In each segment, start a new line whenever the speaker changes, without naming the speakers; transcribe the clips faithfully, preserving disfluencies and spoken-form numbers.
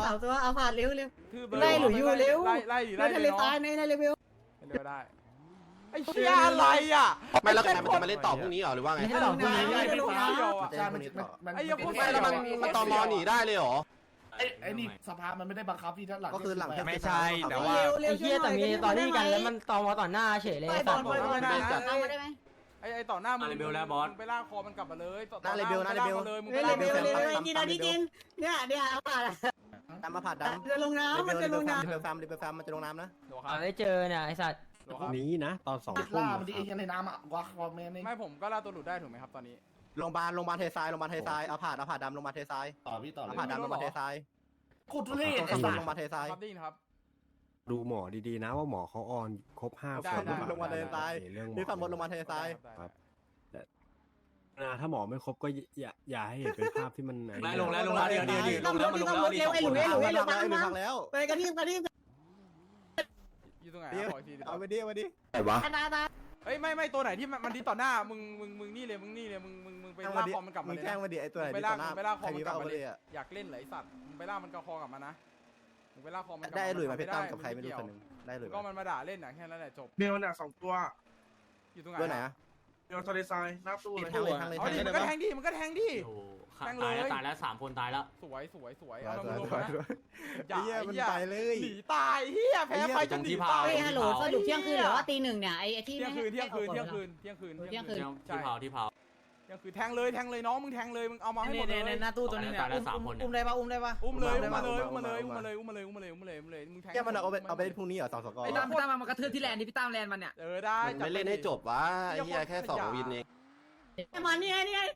สามตัวเอาผ่านเร็วเร็ว
คือเบอร์
ไล่หลุยอยู่เร็ว
ไล่ไล่ดิ
ไล่
ไล่
ทะ
เล
เลย ตาย
เนาะ
ในในเลเวล
เร็วได้ไอ้เชี่ยอะไรอ่ะ
ไม่แล้วใครมันจะมาเล่นต่อพรุ่งนี้เหรอหรือว่าไง
ไม่ใช่หรอกพรุ่งนี้
ไอ้พวกนี้เดียวอ่ะ
ใช่มันมัน
ไอ้เหี้ยพวก
ไม่แล้วมันมันตอมอหนีได้เลยเหรอ
ไอ้ไอ้นี่สภามันไม่ได้บังคับที่ด้านหลัง
ก็คือหลัง
ไม่ใช่แต่ว่า
เร็ว
ไอ้เหี้ยแต่มีตอนนี้กันแล้วมันตอมอต่อหน้าเฉยเลย
ไปบ
สั
อ
ต
ล
ว์
ไปบอล
ได้
จัดเอามาได้ไหม
ไอ้ไอ้ต่อหน้ามึง
มาเลเบลแล้วบอส
มึงไปลากคอมันกลับมาเลยต่อ
หน้าเลเบลหน้าเลเบล
เลยมึง
เร็
ไป
ว
ลาก
เร็ว
มา
เร็วกินอันนี้กินเนี่ยเนี่ยเอาผ่าน
ตามมาผ่านดำ
จะลงน้ำมันจะลงน้ำ
เบลฟาร์มเบลฟาร์มมันจะลงน้ำนะ
เดี๋ยวครั
เอา
บ
ได้เจอเนี่ยไอ้สัตว์
เดี๋ยว
พ
ค
รุ่
รับ
งนี้นะตอนสอง
ติด
ทุ่ม
ล่ามันดีเองในน้ำอ่ะวักคอมเมนต์นี่
ไม่ผมก็ล่าตัวหลุดได้ถูกไหมครับตอนนี้
โรงพยาบาลโรงพยาบาลเททรายโรงพยาบาลเททรายเอาผ่านเอาผ่านดำโรงพยาบาลเททราย
ต่อพี่ต่อเล
เอา
ย
ผ่านดำโรงพยาบาลเททราย
ขุดทุเรศ
ต้
ไอ้
อง
สั
ล
ส
งมาเททราย
ครับได้ยินครับ
ดูหมอดีๆนะว่าหมอเขาออนครบห้า
ได้
คน
ได้
ลงมาเททราย
เรื่องหม
นี่ฝั่งบนล
อง
มาเททราย
ครับ
นะถ้าหมอไม่ครบก็อย่าอย่าให้เห็นเป็นภาพที่มัน
ไม่ลงแล้วลงแล้วเดี๋ยวเดี๋ยวเดี๋ยวลงแล้วมันลงแล้วนี่
เร็วไอ้หลุยไอ้หลุยไอ้หลุย
ไอ้หนึ่ง
มา
พังแล้ว
ไปกระทิบกระทิบ
อยู่ตรงไหน
เดี๋ยว
ขออีกทีดิ
เอาไปดิเอาไปดิ
ไหนวะ
ตาตา
เฮ้ยไม่ไม่ตัวไหนที่มันมันดีต่อหน้ามึงมึงมึงนี่เลยมึงนี่เลยมึงมึงมึงไปลากคอมันกลับ
มึ
มาง เลย
แข้ง
นะ
มาดิไอ้ตัวไหน
ไป
ที่
ลา
ต่
ก
อหน้า
ไปลากค
ใค
อ
ร
มั
มี
นกลั
เป้า
บมา
ไป
เล
เลย ยอ่ะ
อยากเล่นไหลสัตว์มึงไปลากมันกระคอกลับมานะมึงไปลากคอมัน
ได้หลุยมาเพชรตั้มกับใครไม่รู้คนหนึ่งได้หลุย
ก็มันมาด่าเล่นอ่ะแค่นั้นแหละจบ
เบลน่ะสองตัว
อยู่ตรงไหน
ด้วยไหนอ่ะ
เบลทะเลทรายหน้าตู้เลย
ทางเลยทางเลย
เอา
ทาง
ดิ
เลย
มันก็แทงดิมันก็แทงดิ
โอ้โหตายแล้วตายแล้วสามคนตายแล้ว
สวยสวยสวย
สวย
เอา
ส
มา
วย
ลง
สวย
นะ
สวย
อย่า
เฮีย
ไอ้
มัน
เหี้ย
ไปเลย
หนีตายเฮียแพ้ไปจนหนีตาย
เฮ้ยฮัลโหลสรุปเที่ยงคืนหรือว่าตีหนึ่งเนี่ยไอ้ที่
เที่ยงคืนเที่ยงคืนเที่ยงคืนเที่ยงคืน
เที่ยงคืน
ใช่
ที่เผาที่เผา
เที่ยงคืนแทงเลยแทงเลยน้องมึงแทงเลยมึงเอามาให้หมดเลย
ในหน้าตู้ตัวนี้เนี่ยตายแล้วสามคนเนี่ย
อุ้มได้ปะอุ้มได้ปะ
อุ้มเลยอุ้มมาเลยอุ้มมาเลยอุ้มมาเลยอุ้มมาเลยอุ้มมาเลยอุ้มมาเลยอุ้มมาเลยมึงแทง
เฮียมันเอาไปเอาไปเล่นพรุ่งนี้เหรอสองสกอร์
ไอ้ตั้มพี่ตั้มมากระทืบที่แลนด์ดิพี่ตั้มแลนด์มันเนี่ย
เออได้
มันไม่เล่นให้จบวะไอ้เหี้ยแค่สองวินเอง
มานี่ไงนี่ไง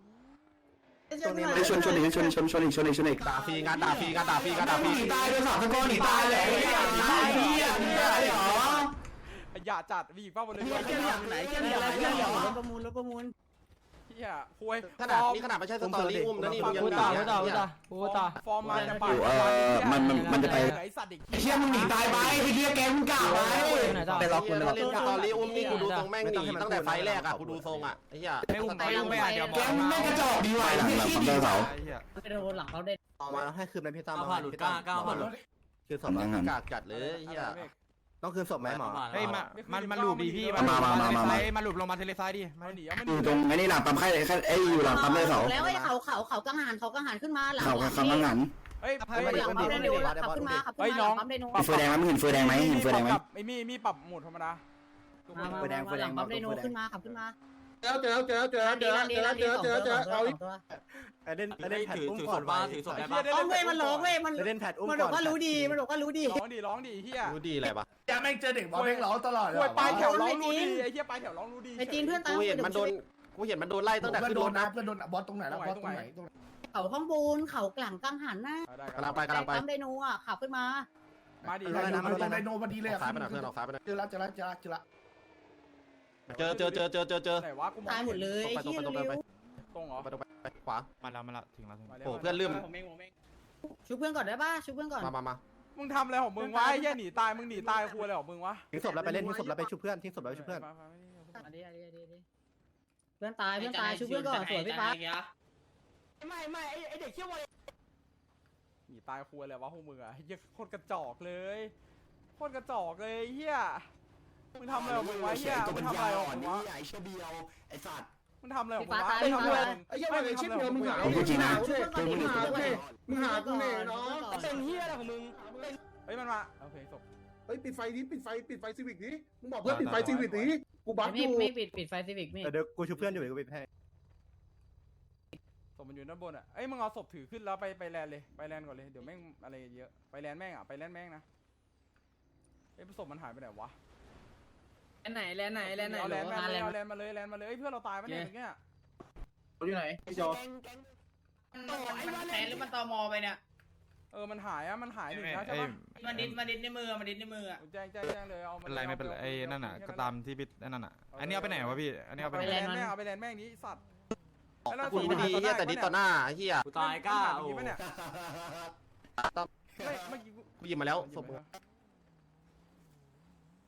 ชนชนอีกชนชนชนอีกชนอีกชนอีกด่าฟรีงานด่าฟรีงานด่าฟรีงานด่าฟรี
ตายด้วยสองสกอร์หนีตายเลยตายเฮียเฮียอะไรหรอ
อย่าจัดวีป้าบนเลย
เที่ยงไหนเที่ยงไหนเที่ยงไหนรถประมูลรถประมูล
เฮียคุย
ขนาดนี่ขนาดไม่ใช่สตอรี่อุ้มนะนี่มึงยัง
กู
ด่า
ต่อกูต่อกูต่อกูต่อ
ฟอร์มมาจะปาด
มันมันมันจะไป
ไอสัตว์เด็ก
เฮียมึงหนีตายไปไอ้เฮียแกมึงกล่าวไว้
ไหนต่อ
ไปรอคุณเล่นสตอรี่อุ้มนี่กูดูทรงแม่งหนีตั้งแต่ไฟแรกอ่ะกูดูทรงอ่ะไอ้เหี้ย
ไม่อุ้มไม่อุ้มไม่อ่ะเดี๋ยว
แกมึงไม่กระจอกดีว่ะหลังหลังคอมเตอร์เสา
ไปโดนหลังเขาเด็ด
เอามาให้คืนเป็นพี่ตั้ม
ก้าวผ่านหลุดก้าวก้าวผ่านหลุด
คือศพ
กากจัดเลยไอ้เหี้ย
ต้องคืนศพไหมหมอ
เฮ้ยมา
มันมันหลุดดีพี่
มามามามามา
มาหลุดลงมาเทเลไซด์ดิ
มันหนีมัน
อยู่ตรงไอ้นี่หลังปั๊มไข่ไข่ไอ้อยู่หลังปั๊มเลยเสา
แล้วไอ้เขาเขาเขากังหันเขากังหันขึ้นมาหลัง
เขาคำว่างัน
เฮ้ย
หลังปั๊มเดนูขับขึ้นมาขับขึ้นมาปั๊มเดนู
เฟือแดงไหมมึงเห็นเฟือแดงไหมเห็นเฟือแดงไหม
ไอ้มีมีปรับโหมดธรรมดา
มามาหลังปั๊มเดนูขึ้นมาขับขึ้นมา
เจอเจอเจอเจอเจอเจอเจอเจอเจอเอาอีก
ไอ้เล่นไอ้เล่นแพด
ถือ
อุ้ม
ถือ
ก่
ศ
อน
พ
ไป
บ้าถือศพได้ปะ
เอาเว้ยมันหลอกเว้ยมัน
เล่นแพดอุ้ม
มันบ
ก่
อ
อก น
ว่ารู้ดีมันบอกว่ารู้ดี
ร้องดีร้องดีเฮีย
รู้ดีอะไรปะ
จะแม่งเจอเด็กบอลแม่งร้องตลอด
คุยปลายแถวร้องรู้ดีไอ้เฮียปลายแถวร้องรู้ดี
ไอ้จีนเพื่อนตาม
กูเห็นมันโดนกูเห็นมันโดนไล่ตั้งแต่
เพื่อน
ขึ้น
โด
ร
น
ถ
นะ
นะ
เพื่อนโดนบอลตรงไหนแล้วบอลตรงไหนตรงไหน
เขาข้างบนเขากลั่งกังหันนะ
กำลังไปกำลังไป
ปั๊มเดนูอ่ะขับขึ้นมา
มาดิ
ไดโนมันโดนไดโนพอดีเลย
ออกซ้ายไปหน่อยเพื่อนออกซ้ายไปหน่อย
เจอแล้วเจอแล้วเจอแล้วเจอแล้ว
เจอเจอเจอเจอเจอเจอ
ไหนวะกูมอง
ตายหมดเลยไอ้
ตรง
เหี้ย
ไปตรงไป
เร็ว
ตรงเหรอ
ไปตรงไปไปขวา
มาแล้วมาแล้วถึงแล้ว
โอ้เพื่อนลืม
ชุบเพื่อนก่อนได้ป่ะชุบเพื่อนก่อน
มามามา
มึงทำอะไรของมึงวะไอ้เฮียหนีตายมึงหนีตายคุยอะไรของมึงวะ
ทิ้งศพแล้วไปเล่นทิ้งศพแล้วไปชุบเพื่อนทิ้งศพแล้วไปชุบเพื่อน
อันนี้อันนี้อันนี้เพื่อนตายเพื่อนตายชุบเพื่อนก่อนสวยพี่ฟ้า
ไม่ไม่ไอเด็กเชี่ยว
หนีตายคุยอะไรวะพวกมึงอะเฮียโคตรกระจอกเลยโคตรกระจอกเลยเฮียมึงทำอะไรของมึงวะเฮียมึงทำอะไรของมึงวะ
ไอ้เชเบียวไอ้สัตว์
มึงทำอะไรของมึงวะมึงทำอะไรของมึง
ไอ้เหี้ยมันไอ้ชิปเดียวมึงหา
ผมพูดจริงนะ
มึงหากูเนี่ยมึงหากูเนี่ยเนาะ
เป็นเฮียอะไรของมึง
เฮ้ยมันมาโอเคจบ
เฮ้ยปิดไฟนี้ปิดไฟปิดไฟซีวิกนี้มึงบอกเพื่อนปิดไฟซีวิกนี้กูบัฟอ
ไม่
ยู่
ไม่ปิดปิดไฟซีวิกไม่
เดี๋ยวกูชุบเพื่อนอยู่เดี๋ยวกูไปให้
ศพมันอยู่ด้านบนอ่ะเอ้ยมึงเอาศพถือขึ้นแล้วไปไปแลนเลยไปแลนก่อนเลยเดี๋ยวแม่งอะไรเยอะไปแลนแม่งอ่ะไปแลนแม่งนะเอ้ยศพมันหายไปไหนวะ
แลนไหนแลนไหนแลนไหน
เอา
หร
แล
อน
มาเลยเอาแลนมาเลยแลนมาเลยเอ้ยเพื่อนเราตายปะเนี่ยเมื่อกี้
อยู่ไหนพี่จอ
มันแทนหรือมันตอมอไปเนี่ย
เออมันหายอ่ะมันหายหนึ่งนะใช่ปะ
มันดิดมันดิดในมือมันดิดในมืออ่ะ
แจ้งแจ้งแจ้งเลยเอา
เป็นไรไม่เป็นไรไอ้นั่นน่ะก็ตามที่พี่นั่นน่ะอันนี้เอาไปไหนวะพี่อันนี้เอาไป
ไป
ไหน
แลนแม่งเอาไปแลนแม่งนี้สัตว์
กูรู้ดีเฮียแต่ดิต่อหน้าเฮีย
กูตายก้า
โอ้
โอ้
ไม่เมื่อกี้
กูหยิบมาแล้วศพมึง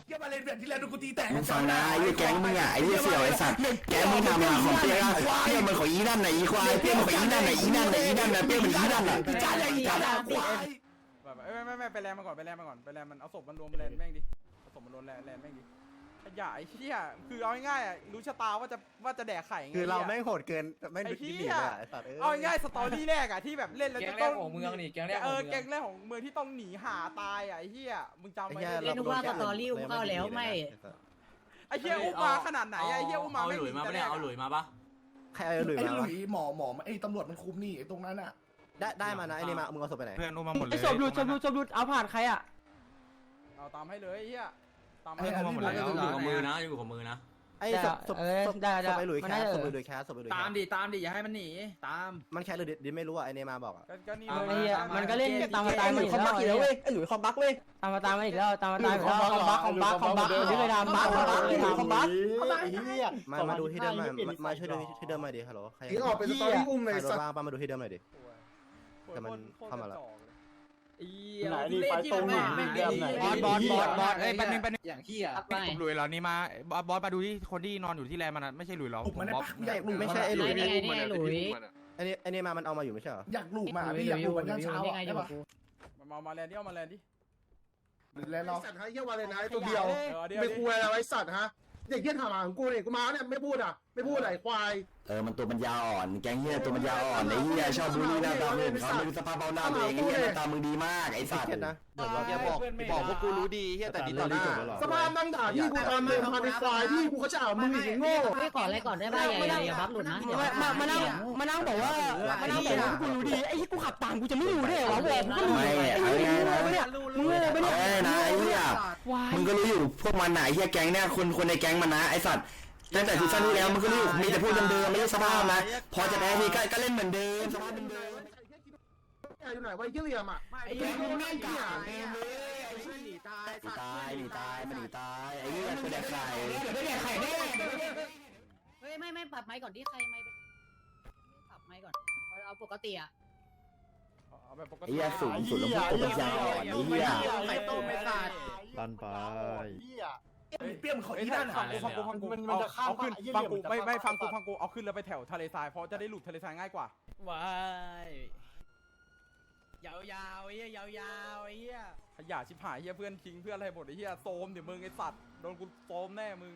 เยี่ยมาเล่นแบบที่แล้วดูกูตีแตก
มึงฟังนะไอ้แก๊งมึงอ่ะไอ้เหี้ยเสี่ยวไอ้สัตว์แก๊งมึงทำงานของเปี้ยเปี้ยมันของอีนั่นไหนอีควายเปี้ยมันของอีนั่นไหนอีนั่นไหนอีนั่นไหนเปี้ยมันอีนั่นไหน
พี่จ้าอย่างนี้จ้าควาย
แบบไม่ไม่ไม่ไปแลนมาก่อนไปแลนมาก่อนไปแลนมันเอาศพมันรวมแลนแม่งดิเอาศพมันรวมแลนแลนแม่งดิขยะไอ้เหี้ยคือเอาง่ายๆอ่ะรู้ชะตาว่าจะว่าจะแดกไข่ไง
คือเราแม่งโหดเกินไม่
ไอ้
ดู
เหี้
ดี
ย
เลยไอ้สัตว์เอ้ย
เอาง่ายๆสตอรี่แรกอ่ะที่แบบเล่นแล้ว
แก๊
จะ
งแร
ต้
ก
อง
ของเมืองนี่แก๊งแรก
เอ
ของ
อ
เมื
แก๊
อง
งแรกของเมืองที่ต้องหนีหาตายอ่ะไอ้เหี้ยมึงจำไว้
เล่นว่าสตอรี่อุ้มเข้าแล้วไม่
ไอ้เหี้ยอุ้มมาขนาดไหนอ่ะไอ้เหี้ยอุ้มมา
เอา
ไม่
หลุยมาปะเนี่ยเอาหลุยมาปะ
ใครเอาหลุย
ไอ้
มา
หลุ
วะ
ยหมอหมอไอ้ตำรวจมันคุมนี่ไอ้ตรงนั้นอ่ะ
ได้ได้มานะไอ้นี่มามึงเอาศพไปไหน
เพื่อนอุ้มมาหมดเลย
ไอ้ศพหลุดศพหลุดศพหลุดเอาผ่านใครอ่ะ
เอาตามให้เลยไอ้เหี้ยตาม
ไอ้
ให้
อันนี้
หมดแล้ว
อยู่กับมือนะอยู่กับมือนะ
ไอ้ศพศพศพศพไอ้หลุยแคสศพไอ้หลุยแคสศพไอ้หลุย
ตามดิตามดิอย่าให้มันหนีตาม
มันแคสหรือดิไม่รู้อ่ะไอ้นี่มาบอกอ่ะ
ก็นี่
ไอ้
เลย
เหี้ยมันก็เล่นตามมาตามมาอีกแล้วเว้ยไอ้หลุยคอมบักเว้ยตามมาตามมาอีกแล้วตามมาตามอีกแล้วคอมบักคอมบักคอมบักที่เคยทำบักคอมบักที่คอมบักไอ้เหี้ย
มามาดูที่เดิมมามาช่วยดูที่เดิมมาดิฮัลโหลใคร
ยิงออกเป็นสตอรี่อุ้มเลย
ใครโด
สั
น
ตว์
บ้างป้ามาดูที่เดิมหน่อยดิ แต่มันเข้ามาแล้ว
ไหนนี่ไฟตรงหนีเดิมไหน
บอสบอสบอสบอสเอ้ยแป๊บนึงแป๊บนึง
อย่างขี้อ่ะ
หลุยเหรอนี่มาบอสบอสมาดูที่คนที่นอนอยู่ที่แลนด์มันนะไม่ใช่หลุยเหรอ
ปลุก
ผม
มันได้
บอส
ปะอยากหลุ
ไม่ใช่ไอ้หลุย
นี่ไงนี่ไงหลุย
ไอ้นี่ไอ้นี่มามันเอามาอยู่ไม่ใช่เหรอ
อยากหลุกมาพี่อยากหลุกวันเช้า
นี่ไงอยู่
ได้ปะ
กู
มามาแลนด์ดิเอามาแลนด์ดิ
แล้วเรา
สัตว์ให้เยี่ยวาเลยนะไอ้ตัวเดียว
เออเดี๋ยว
ไม่คุยอะไรไว้สัตว์ฮะเด็กเยี่ยถามหาของกูเนี่ยกูมาเนี่ยไม่พูดอ่ะไม่พูดอะไรควาย
เออมันตัวมันยาวอ่อนแก๊งเหี้ยตัวมันยาวอ่อนไอ้เหี้ยชอบบูลลี่หน้าตามึงเขาไม่รู้สภาพเบ้าหน้าตัวเองไอ้เหี้ยหน้าตามึงดีมากไอ้สัตว์
เก็ตนะเดี๋ยวบอกบอกพวกกูรู้ดีเฮียแต่ดีต่อหน้า
สภาพนั่งด่าพี่กูทำเลยทำเป็นควายพี่กูเขาจะเอามึงอีกโง่
ไม่ก่อนอะไรก่อนได้ป่ะอย่าอย่าบัฟหลุดนะมามานั่งมานั่งบอกว่ามานั่งบอกว่ากูรู้ดีไอ้ที่กูขับต่างกูจะไม่รู้ได้เหรอบอกกูก็รู้
ไม่เอาง่ายๆนะ
มึงโง่ไปเนี่ย
เอ้ยนะไอ้เหี้ยมึงก็รู้อยู่พวกมันไหนเหี้ยแก๊งเนี่ยคนคนในแก๊งมันนะไอ้สัตว์ตั้งแต่ซีซั่นที่แล้วมันก็รู้อยู่มีแต่พูดเดิมๆไม่ใช่สภาพนะพอจะแพ้ทีก็ก็เล่นเหมือนเดิมสภาพเดิม
อยู่ไหนไว้เยี่ยเหลี่ยมอ่ะ
ไอ้เหี้ยมึงนั่งกลาง
หนีตายหนีตายมันหนีตายไอ้เหี้ยตัวแดกไข่
เฮ้ยไม่ไม่ปรับไม้ก่อนที่ใครไม่ปรับไม้ก่อนเอาปกติอ่ะ
เอาแบบปก
ไอ้
ติ
เหี้ยสูงสุดแล้วพวกตัวมันยาวอ่อนไอ้เหี้ย
ไข่ต้มไม่ขาด
ตันไป
เปี้ยมเขา
เอ้
อี
ย
นั่น
ฟังกูฟังกูฟังกูเอาเอาขึ้นฟังกูไม่ไม่ฟังกูฟังกูเอาขึ้นแล้วไปแถวทะเลทรายเพราะจะได้หลุดทะเลทรายง่ายกว่า
ว้ายยาวๆไอ้เหี้ยยาวๆไอ้เหี้ย
ขยะชิบหายเฮียเพื่อนทิ้งเพื่อนอะไรหมดไอ้เฮียโซมเดี๋ยวมึงไอ้สัตว์โดนกูโซมแน่มึง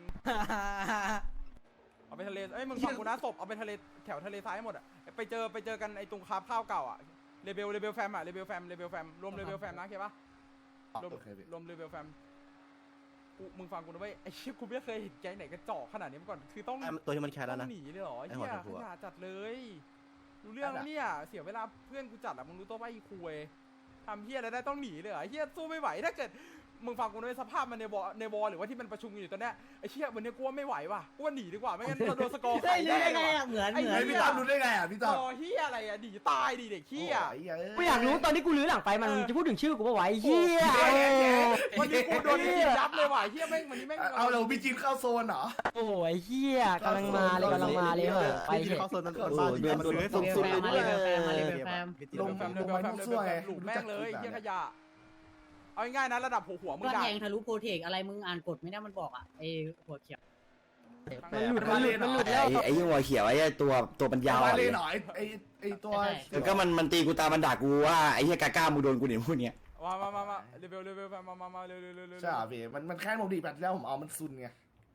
เอาไปทะเลเอ้ยมึงฟังกูนะศพเอาไปทะเลแถวทะเลทรายให้หมดอ่ะไปเจอไปเจอกันไอ้ตรงคาบข้าวเก่าอ่ะเรเบลเรเบลแฟมอ่ะเรเบลแฟมเรเบลแฟมรวมเรเบลแฟมนะเข้าปะรวมรวมเรเบลแฟมกูมึงฟังกูนะเว้ยไอ้เชี่ยกูไม่เคยเห็นแก๊งไหนกระจอกขนาดนี้มาก่อนคือต้อง
ตัวที่มันแคสแล้ว
ต้
นะ
องหนีเลยเหรอ
ไอ้
เฮี
หัวย ชมพู
ข
อะ
ยะจัดเลยรู้เรื่องแล้วเนี่ยเสียเวลาเพื่อนกูจัดอ่ะมึงรู้ตัวว่าอีคุยทำเฮียอะไรได้ต้องหนีเลยเหรอเฮียสู้ไม่ไหวถ้าเกิดมึงฟังกูด้วยสภาพมันในวอในวอหรือว่าที่มันประชุมกันอยู่ตอนเนี้ยไอ้เชี่ยวันนี้กูว่าไม่ไหวว่ะกูว่าหนีดีกว่าไม่งั้นเราโดนสกอร์
ได้
ไข่
ได้
ได้
ไง
ว่ะ
อ่ะเหมือน
ไอ้
เหมือน
พี่ตั้มรู้ได้ไงอ่ะพี่ตั้ม
รอเฮียอะไรอ่ะหนีตายดิเด็กเฮีย
กูอยากรู้ตอนที่กูลื้อหลังไปมันจะพูดถึงชื่อกูว่าไหวเฮีย
วันนี้กูโดนยิงยับเลยว่ะเฮียแม่งวันนี้แม่ง
เอาเราพี่จีนเข้าโซนเหรอ
โอ้ยเฮียกำลังมาเลยกำลังมาเลยเหอะไปเถอะ
เข้าโซนมันเกิด
โอ้
บ้า
โหเดือน
มัน
ตัว
ซื้อ
สูงสุดเลยด้วย
ลง
แฟมเดินแฟมเดินแฟมหลุดแม่งเลยเฮียขยะเอาง่ายๆนะระดับหัวหัวมึ
เพื่
ง
อน
ด่า
แทงทะลุโปรเทคอะไรมึงอ่านกฎไม่ได้มันบอกอ่ะไอ้หัวเขียว
มันหลุดมันหลุดมันหลุด
ไอ้ไอ้ยี่หัวเขียวไอ้ตัวตัวมันยาว
มา
อ่อน
เล
เลย ย
หน่อยไอ้ไอ้ตัว
แล้วก็มันมันตีกูตามันด่ากูว่าไอ้เหี้ยกาก้ามึงโดนกูเนี่ยพูดเนี้ย
มามามามาเรเบลเรเบลแฟมมามามาเร็วเร็วเร็วเร็ว
ใช่พี่มันมันแค่ผมดีแบบแล้วผมเอามันซุนไง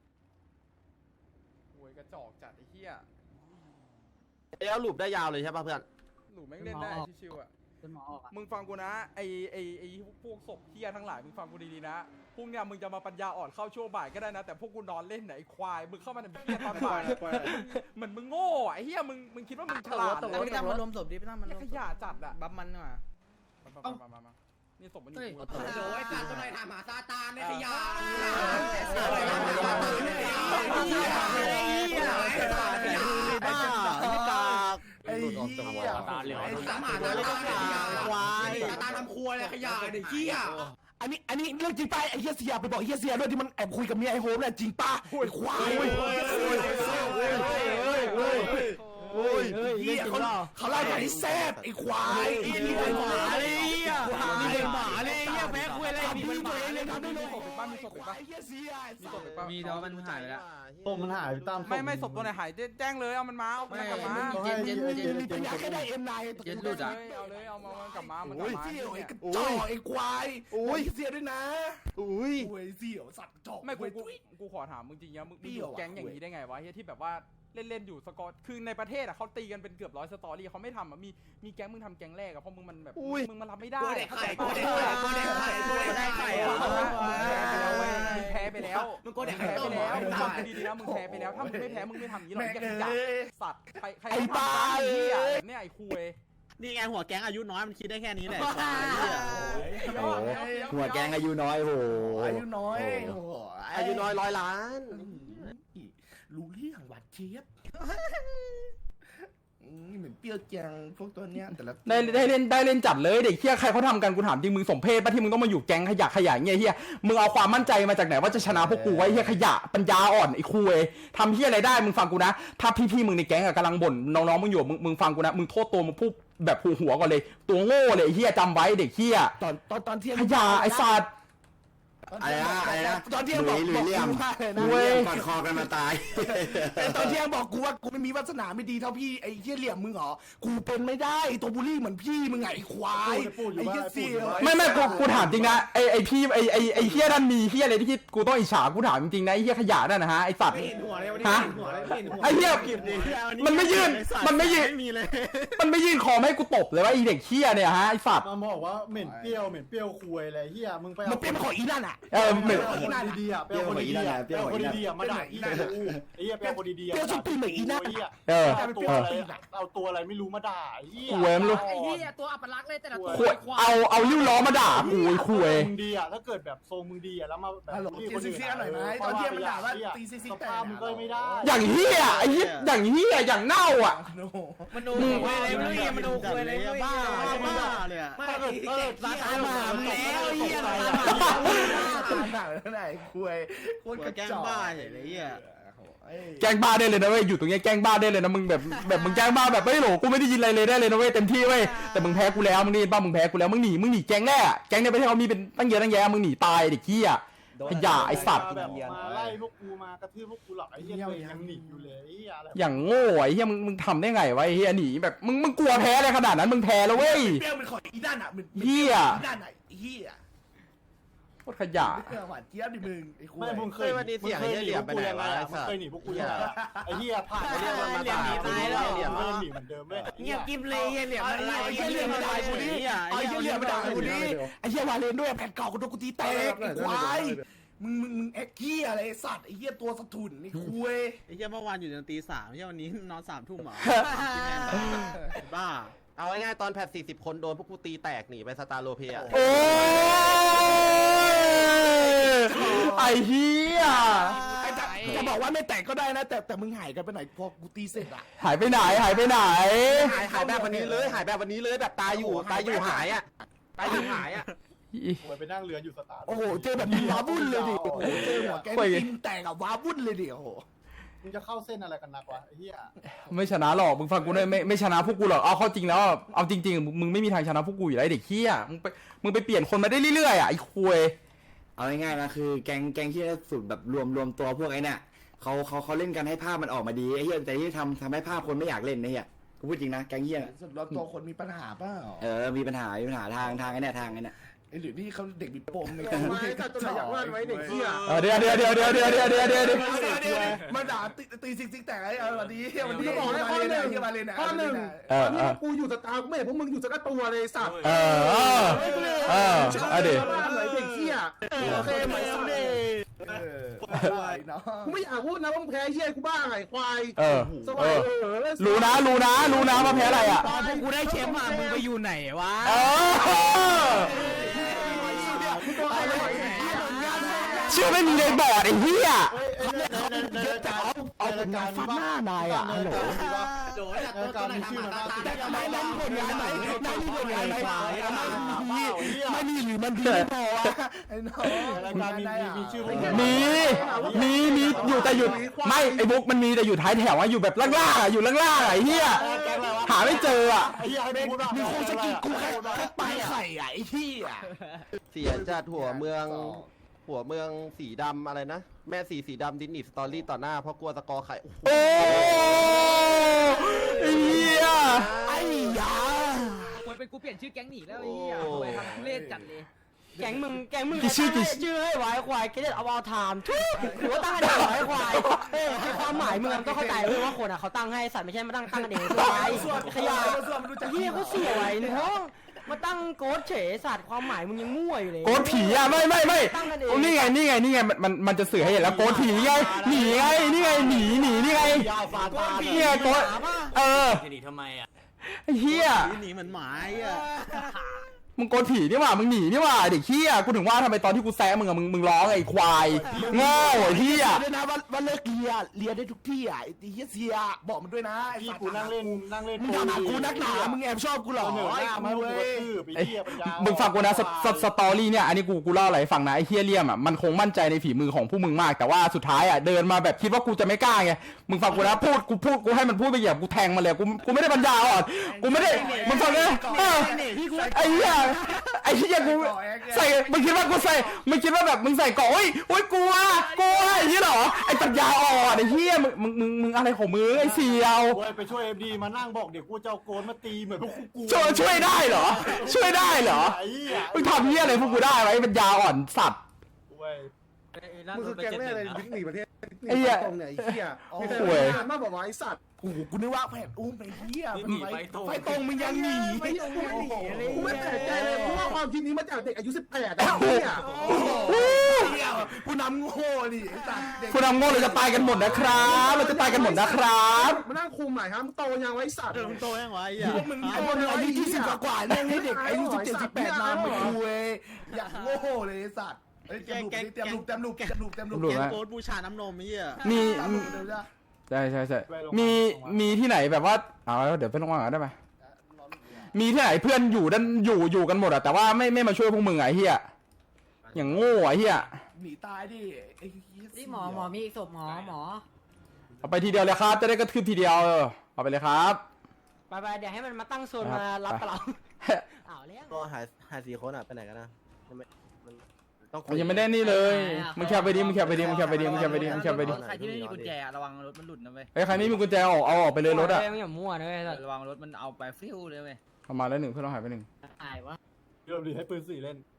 โวยกระจอกจัดไอ้เหี้ย
แล้วหลุดได้ยาวเลยใช่ป่ะเพื่อน
หลูแม่งเล่นได้ชิวๆอ่ะ
จนหมอออกอ่ะ
มึงฟังกูนะไอไอไอพวกศพเหี้ยทั้งหลายมึงฟังกูดีๆนะพวกเนี้ยมึงจะมาปัญญาอ่อนเข้าช่วงบ่ายก็ได้นะแต่พวกกูนอนเล่นไหนควายมึงเข้ามาในเหี้ยตอนบ่ายเหมือนมึงโง่ไอ้เหี้ยมึงมึงคิดว่ามึงฉลาด
แต่พี่ตั้มมารวมศพดิพี่ตั้มมันรวม
ขยะจัดอ่ะ
บัฟมันมา
มามามามานี่ศพมันอยู่
โอ้ยการตัวไหนถามหาซาตานในขยะ
บ้าไม่กาก
ไอ้เหี้ย
ตาเหลือง
ไอ้
ถา
สาม ม
หา
หา
แล้
แล้ว ว
ก็
ก็
ขยะ
ควาย
ซาตานทำครัวเลยขยะเด็กขี้อ่ะ
อันนี้อันนี้เรื่องจริงป่ะไอ้เฮียเสียไปบอกเฮียเสียด้วยที่มันแอบคุยกับเมียไอ้โฮมเนี่ยจริงป่ะไอ้ควาย
โอ้ย
เฮียเขาเขาเล่าอย่างนี้แซ่บไอ้ควายไอ้นี่เป็นหมาเลยอ่ะนี่เป็นหมาเลยเฮียแพ้คุยอะไรพี่ตัวเองเลยท
ำได้เลย
ศพอีกบ้านมีศพอีกบ้าน
ไอ้เหี้ยเสีย
มีศพอีกบ้าน
มีแต่ว่ามันหายไปแล้ว
ตัวมันหายตาม
ไม่ไม่ศพตัวไหนหายแจ้งเลยเอามันมาเอามันกลับมา
เย็นเย็นเย็น
มีปัญญาแค่ได้เอ็มไน
เย็นหลุดอะ
เอาเลยเอามามันกลับมามันกลั
โอ้
บ
ย
มา
เสี่ยวไอ้กระจอกไอ้ควายโอ้ยเสียด้วยนะ
อุ้ย
โอ้ยเสี่ยวสัตว์กระจอก
ไม่กู
เว้ย
กูกูขอถามมึงจริงๆมึง
เปรี้
มึงอ
ยว
ยู่
อะ
แก๊งอย่างนี้ได้ไงวะเฮียที่แบบว่าเล่นๆอยู่สกอร์คือในประเทศอะเขาตีกันเป็นเกือบร้อยสตอรี่เขาไม่ทำอะมีมีแก๊งมึงทำแก๊งแรกอะเพราะมึงมันแบบมึงมันรับไม่ได้
กูเด็กไข่
เข้า
กู
ใจ
เด็ก
ปะ
ไข่กูเด็กไข่กูเด็กไข่
มึงแพ้ไปแล้ว
มึงกู
มึ
เด็
ง
กไข่
แพ้
ต้
ไป
ม
แล้ว
ไอ้
มึง
ตาย
ทำดีๆนะมึงแพ้ไปแล้วถ้ามึงไม่แพ้มึงไม่ทำอย่างนี้หรอก
แม่ง
ไอ้
เอ้
ขยะ
ย
สัตว์ใครใคร
ไอ้บ้า
ไอ้เหี้ยแบบเนี้ยไอ้คุย
นี่ไงหัวแก๊งอายุน้อยมันคิดได้แค่นี้แหละ
โอ้หัวแกงอายุน้อยโห
อายุน้อยโอ้โห
อายุน้อยร้อยล้าน
รู้เรื่องหวานเจี๊ยบอืมเหมือนเปรี้ยวจังพวกตัวเนี้ยแต่ละ
ได้ได้เล่นได้เล่นจัดเลยเด็กเฮียใครเขาทำกันกูถามจริงมึงสมเพศป่ะที่มึงต้องมาอยู่แก๊งขยะขยะเงี้ยเฮียมึงเอาความมั่นใจมาจากไหนว่าจะชนะพวกกูไว้เฮียขยะปัญญาอ่อนไอ้คุยทำเฮียอะไรได้มึงฟังกูนะถ้าพี่ๆมึงในแก๊งอะกำลังบ่นน้องๆมึงอยู่มึงมึงฟังกูนะมึงโทษตัวมึงพูดแบบหัวหัวก่อนเลยตัวโง่เลยไอ้เฮียจำไว้เด็กเฮีย
ตอนตอนตอนเที่ยง
ขยะไอ้สัตว์
อะไรนะอะไรนะ
ตอนเที่ยง
ห
บ
ลุ
อก
ยหลุ
บ
ย
อก
เลี่ยม
กูว่าเลยนะ
หลุยเลี่ยมกอดคอกันมาตาย
แต่ตอนเที่ยงบอกกูว่ากูไม่มีวาสนาไม่ดีเท่าพี่ไอ้เหี้ยเหลี่ยมมึงเหรอกูเป็นไม่ได้ตัวบูลลี่เหมือนพี่มึงไงไอ้ควายไอ้เหี้ยเสี่ยว
ไม่ไม่กูกูถามจริงนะไอ้ไอ้พี่ไอ้ไอ้ไอ้เฮียนั่นมีเฮียอะไรที่กูต้องอิจฉากูถามจริงนะไอ้เฮียขยะนั่นนะฮะไอ้สัตว์ฮะไอ้เฮียมันไม่ยื่นมันไม่ยื่น
มีเลย
มันไม่ยื่นคอมาให้กูตบเลยว่าไอ้เด็กเฮียเนี่ยฮะไอ้สัตว์
มันบอกว่าเหม็นเปรี้ยวเหม็นเปรี้ยวคุยอะไรเฮียมึงไป
มันเป็นของอีนั่นอ่ะ
เออเหม็น
คนดีๆอ่ะเปรี้ยวคนดีๆอ่ะเปรี้ยวคนดีๆอ่ะมาด่าอีกูไอ้เหี้ยเปรี้ยวคนดีๆอ่ะ
เปรี้ยวสุดปีเหมือนอีนั่น
เออ
เอาตัวอะไรเอาตัวอะไรไม่รู้มาด่าไอ้เหี้ย
คุยไม่รู้
ไอ้เหี้ยตัวอัปลักษณ์เลยแต่ละตัว
คุยเอาเอาลิ้วล้อมาด่ากูไอ้คุย
มึงดีอ่ะถ้าเกิดแบบทรงมึงดีอ่ะแล้วมาแบบ
ฮัลโหลตีซิกซี่หน่อยไหมตอนเที่ยงมันด่าว่าตีซิกซี่
ส
แต่
ภาพมึงก็ไม่ได้
อย่างเฮียไอ้เฮียอย่างเฮียอย่างเน่าอ่ะ
โน
มันดูคุยอะไรไม่รู้เหี้ยมันดูคุยอะไรไม่รู้
บ้า
เหี้ย
บ้าเลยอะ
ไม่ไอ้เด็กร้านอาหารแล้วเหี้ยร้านอาหาร
ด่าไหนคุยโคตรกระ
แก๊ง
จอก
บ้าเฉยเลยเหี้ย
แกล้งบ้าได้เลยนะเว้ยอยู่ตรงเนี้ยแกล้งบ้าได้เลยนะมึงแบบแบบมึงแกล้งบ้าแบบไม่โหลกูไม่ได้ยินอะไรเลยได้เลยนะเว้ยเต็มที่เว้ยแต่มึงแพ้กูแล้วมึงนี่บ้ามึงแพ้กูแล้วมึงหนีมึงหนีแก๊งแน่แก๊งในประเทศเขามีเป็นตั้งเยอะตั้งแยะมึงหนีตายเด็กเหี้ยขยะไอ้สัตว์
แบบมาไล่พวกกูมากระทืบพวกกูหรอกไอ้เหี้ยตัวเองยังหนีอยู่เลยไอ้เหี้ยอะไร
อย่างโง่ไอ้เหี้ยมึงมึงทำได้ไงวะไอ้เหี้ยหนีแบบมึงมึงกลัวแพ้อะไรขนาดนั้นมึงแพ้แล้วเว้ย
เปรี้ยวมันของอีนั่นอ่ะมัน
เหี้ย
อีนั่นอ่ะเหี้ย
โคตรขยะ
เรื่องหวานเจี๊ยบดิมึงไอ้คุย
ไม่มึงเคยมึงเคยหนีพวกกูยังไงอ่ะไอ้เหี้ยผ่านเรื่องมาตายเหลี่ยมมันหนีเหมือนเดิมเว้ย
เงียบกิ๊บเลยเหี้ยเหลี่ยมอะไร
ไอ้เหี้ยเหลี่ยมมาด่ากูดิไอ้เหี้ยเหลี่ยมมาด่ากูดิไอ้เหี้ยวาเลนด้วยแผ่นเก่ากูโดนกูตีแตกไอ้ควายมึงมึงมึงเอ็กเหี้ยอะไรไอ้สัตว์ไอ้เหี้ยตัวสะทุนไอ้คุย
ไอ้เหี้ยเมื่อวานอยู่จนตีสามไอ้เหี้ยวันนี้นอนสามทุ่มเหรอบ้า
เอาง่ายๆตอนแพทสี่สิบคนโดนพวกกูตีแตกหนีไปสตาร์โลเพีย
โอ้ยไอ้เหี้ย
ไอ้จะจะบอกว่าไม่แตกก็ได้นะ แต่แต่มึงหายกันไปไหนพอกูตีเสร็จอ่ะ
หายไปไหนหายไปไหน
หายหายแบบวันนี้เลยหายแบบวันนี้เลยแบบตายอยู่ตายอยู่หายอ่ะตายอยู่หายอ่ะ
กูไปนั่งเรืออยู่สตาร์
โอ้โหเจอแบบนี้ว้าวุ่นเลยดิโอ้โหเจอหัวแกกินแตกอะว้าวุ่นเลยดิโอ้โห
มึงจะเข้าเส้นอะไรกันนักวะไอ้เหี้ย
ไม่ชนะหรอกมึงฟังกูด้วยไม่ไม่ชนะพวกกูหรอกเอาเข้าจริงแล้วอะเอาจริงๆมึงมึงไม่มีทางชนะพวกกูอยู่แล้วไอ้เด็กเหี้ยมึงไปมึงไปเปลี่ยนคนมาได้เรื่อยๆอ่ะไอ้คุย
เอาง่ายๆนะคือแกงแกงที่สุดแบบรวมรวมตัวพวกไอ้เนี่ยเขาเขาเขาเล่นกันให้ภาพมันออกมาดีไอ้เหี้ยแต่ที่ทำทำให้ภาพคนไม่อยากเล่นนะเหี้ยกูพูดจริงนะแกงเหี้ย
สุดรอบตัวคนมีปัญหาเปล่า
เออมีปัญหามีปัญหาทางทางไอ้เนี่ยทางไอ้เนี่ย
ไอ้หรือนี่เขาเด็กมีปมไง
ไม่ก็ตัวอยากว่าไว้เด็กเหี้ย
เออเดี๋ยวเดี๋ยวเดี๋ยวเดี๋ยวเดี๋ยวเดี๋ยวเดี๋ยวเดี๋ยวเดี๋ยว
มาด่าตีตีซิกซิกแตกไอ้เออวันนี้วันนี้มาเลนไอ้มาเลน
ข้อหนึ่ง
เออ
ตอน
เอ
นี้
อ
กูอยู่สตาร์กูไม่เห็นพวกมึงอยู่สักตัวเลยสัตว์
เออเออเออเอาดิ
อะไรเด็กเหี้ยโอเคไหมสัตว์
เออเนาะ
กูไม่อยากพูดนะว่ามึงแพ้เหี้ยกูบ้าไงควาย
เออ
ส
เอ
วัส
อ
ดีเออ
รู้นะรู้นะรู้นะว่าแพ้อะไรอ่ะ
ตอนพวกกูได้แชมป์อ่ะมึงไปอยู่ไหนวะ
เออเชื่อไม่มีเลยบอดไอ้เหี้ย
เอาเป็นงานฟาดหน้านายอ่ะฮัลโหล
โดยตัวตัวไหนทำมาตาตา
แต่ไม่ได้ผลงานไหนได้มีผลงานไหนไม่มีหรือมันดีไม่พอไอ้น้อง
รายการมีมีชื่อพวก
มีมีมีอยู่แต่อยู่ไม่ไอ้บุ๊กมันมีแต่อยู่ท้ายแถวอะอยู่แบบล่างๆอะอยู่ล่างๆอะไอ้เหี้ยหาไม่เจออะ
ไอ้เหี้ยให้พูดว่า
มีคนสกิดกูแค่แค่ปลายไข่อ่ะไอ้ที่อ่ะ
เสียจัดหัวเมืองหัวเมืองสีดำอะไรนะแม่สีสีดำดินนิสตอรี่ต่อหน้าเพราะกลัวสกอร์ไข่โอ้โห
โอ้ไอ้เหี้ย
ไอ้ยา
ควรเป็นกูเปลี่ยนชื่อแก๊งหนีแล้วไอ้เหี้ยทำไมทำทุเรศจัดเลย
แก๊งมึงแก๊งมึงชื่อชื่อให้ไว้ควายเกเรตเอาเอาไทม์ทุกหรือว่าตั้งกันเองไว้ควายเอ้ให้ความหมายมึงต้องเข้าใจเลยว่าคนอ่ะเขาตั้งให้สัตว์ไม่ใช่มาตั้งตั้งกันเองควายขยะเฮียเขาเสียไว้เนาะมาตั้งโกดเฉยสัตว์ความหมายมึงยังมั่วอยู่เลย
โกดผีอ่ะไม่ไม่ไม่นี่ไงนี่ไงนี่ไงมันมันมันจะสื่อให้เห็นแล้วโกดผีไงหนีไงนี่ไงหนีหนีนี่ไงนี่ไงโกดเออ
จะหนีทำไมอ่ะ
ไอ้เหี้ย
หนีเหมือนหมาไอ้อ่ะ
มึงโกนผีนี่หว่ามึงหนีนี่หว่าเด็กเหี้ยกูถึงว่าทำไมตอนที่กูแซะมึงอะมึงมึงร้องไอ้ควายโง่ไอ้เหี้ย
ด้วยนะว่าว่าเลิกเลียเลียได้ทุกที่อ่ะไอ้เฮียเสียบอกมันด้วยนะไอ้
พี่
สัตว์
กูนั่งเล่นนั่งเล่น
มึงทำหากูนักหนามึงแอบชอบกูเหรอ
เหนื่อย
ไอ้
หน้ามา
กู
เว้
เว้ย
ยไปเที่ยวปัญญา
มึงฟังกูนะสสสตอรี่เนี่ยอันนี้กูกูเล่าอะไรให้ฟังนะไอ้เฮียเลี่ยมอ่ะมันคงมั่นใจในฝีมือของผู้มึงมากแต่ว่าสุดท้ายอ่ะเดินมาแบบคิดว่ากูจะไม่กล้าไงมึงฟังกูนะพูดกูพูดกูให้มันพูดไปเหยียบกูแทงมันเลยกูกูไม่ได้ปัญญาอ่อนกูไม่ได้มึงฟังนะเออไอ้เหี้ยไอ้เหี้ยกูใส่มึงคิดว่ากูใส่มึงคิดว่าแบบมึงใส่เกาะโอ้ยโอ้ยกลัวกลัวไอ้เหี้ยเหรอไอ้ปัญญาอ่อนไอ้เหี้ยมึงมึงมึงมึงอะไรของมึงไอ้เสี่ยว
โอ้ยไปช่วยเอ็มดีมานั่งบอกเดี๋ยวกูจะเอาโกนมาตีเหมือนพวกกู
ช่วยช่วยได้เหรอ ช่วยได้เหรอ
ไอ้เหี้ย
มึงทำเหี้ยอะไรพวกกูได้ไว้ปัญญาอ่อนสัตว์
เว้ย
มึงคือแก๊งแน่เลยบิ๊กหนีประเทศ
ไอ้เหี้ย
ตรงไหนเหี้ย
โอ้
โอ้ย
มาบอกว่าไอ้สัตว์
โอ้โหกูนึกว่าแผนอุ้มไปเฮีย
หนีไปตรง
ไฟตรงมึงยังหนี
ไม่ตรงไม่หนีอะไร
กูไม่แปลกใจเลยเพราะว่าความคิดนี้มาจากเด็กอายุสิบแปดอะ
โอ้โห
เนี่ย
โอ้โหเฮียผู้นำโง่ดิไอ้สัตว์เด็ก
คุณนำโง่เราจะตายกันหมดนะครับเราจะตายกันหมดนะครับ
มานั่งคุมหน่อยครับมึงโตยังไว้สัตว์
เออมึงโตยังวะไอ้
พ
อ่ะ
วกมึงไอ้พวกมึงอายุยี่สิบกว่าๆเนี่ยให้เด็กอายุสิบเจ็ดสิบแปดนำเหมือนกูเว้ยอยากโง่เลยไอ้สัตว์เฮ้ยเต็มลูกเต็มลูกเต็มลูกเต็มลูกเต็มลูก
แกงโกดบูชาน้ำนมไอ้เหี้ย
มี
เต็มลูกเดี๋ยวจะ
ใช่ใช่ใช่มีมีที่ไหนแบบว่าเอาเดี๋ยวเพื่อนว่างกันได้ไหมมีที่ไหนเพื่อนอยู่ดันอยู่อยู่กันหมดอะแต่ว่าไม่ไม่มาช่วยพวกมึงไอ้เหี้ยอย่างโง่ไอ้เหี้ย
หนีตายดิไอ้เหี้ย
นี่หมอหมอมีอีกศพหมอหมอ
เอาไปทีเดียวเลยครับจะได้กระทืบทีเดียวเออเอาไปเลยครับ
ไปไปเดี๋ยวให้มันมาตั้งโซนมารับกับเราอ้าวเลี้ยง
ก็หายหายสี่คนอ่ะไปไหนกันนะมันไม่มันต้อง
มันยังไม่ได้นี่เลยมึงแคปไปดิมึงแคปไปดิมึงแคปไปดิมึงแคปไปดิมึงแคปไปดิ
ใครที่ไม่มีกุญแจระวังรถมันหลุดนะเว้ย
เฮ้ยใครไม่มีกุญแจออกเอาออกไปเลยรถอะ
ไม่อย่ามั่วนะเว้ยสัตว์
ระวังรถมันเอาไปฟิวเลยเว้ย
เอามาแล้วหนึ่งเพื่อนเราหายไปหนึ่ง
อายวะ
เริ่มดีให้ปืนสี่เล่น